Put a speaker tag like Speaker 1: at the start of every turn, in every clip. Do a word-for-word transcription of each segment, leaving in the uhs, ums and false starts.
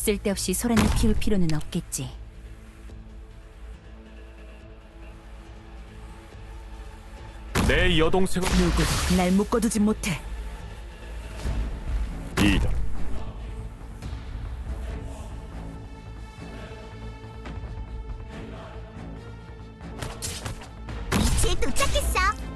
Speaker 1: 쓸데없이 소란을 피울 필요는 없겠지.
Speaker 2: 내 여동생은
Speaker 1: 누구도 날 묶어두진 못해.
Speaker 2: 이다.
Speaker 3: 위치에 도착했어.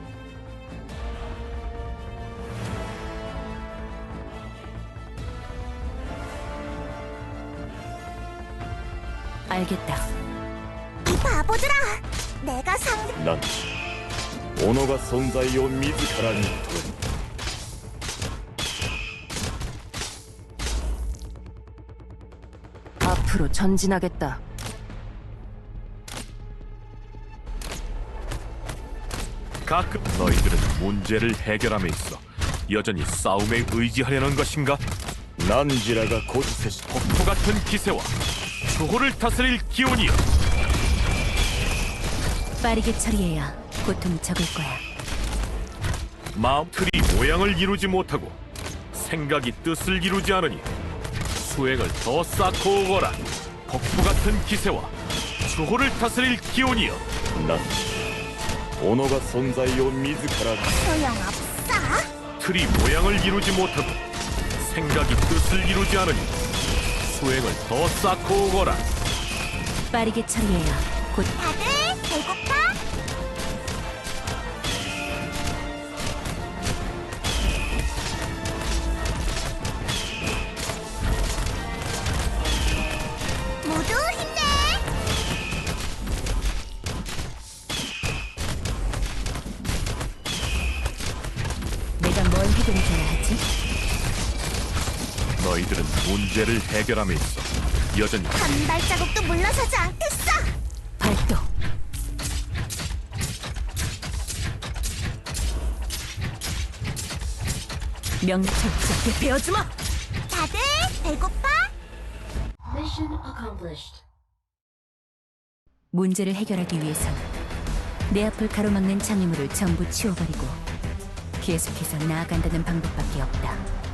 Speaker 1: 알겠다.
Speaker 3: 이 바보들아, 내가 상...
Speaker 2: なんて己が存在を自らに問う。
Speaker 1: 앞으로 전진하겠다.
Speaker 2: 가끔 너희들은 문제를 해결함에 있어 여전히 싸움에 의지하려는 것인가? 난지라가 고지세시 폭포 같은 기세와 주호를 다스릴 기운이여.
Speaker 1: 빠르게 처리해야 고통이 적을 거야.
Speaker 2: 마음 틀이 모양을 이루지 못하고 생각이 뜻을 이루지 않으니 수행을 더 쌓고 오거라. 폭포 같은 기세와 주호를 다스릴 기운이여. 난己が存在を自ら
Speaker 3: 소용없어.
Speaker 2: 틀이 모양을 이루지 못하고 생각이 뜻을 이루지 않으니 수행을 더 쌓고 오거라.
Speaker 1: 빠르게 처리해야 곧
Speaker 3: 다들 배고파? 모두 힘내.
Speaker 1: 내가 뭘 해결해줘야 하지?
Speaker 2: 너희들은 문제를 해결함에 있어 여전히
Speaker 3: 한 발자국도 물러서지 않겠어.
Speaker 1: 발동. 명철자게 베어주마.
Speaker 3: 다들 배고파?
Speaker 4: Mission accomplished.
Speaker 1: 문제를 해결하기 위해선 내 앞을 가로막는 장애물을 전부 치워버리고 계속해서 나아간다는 방법밖에 없다.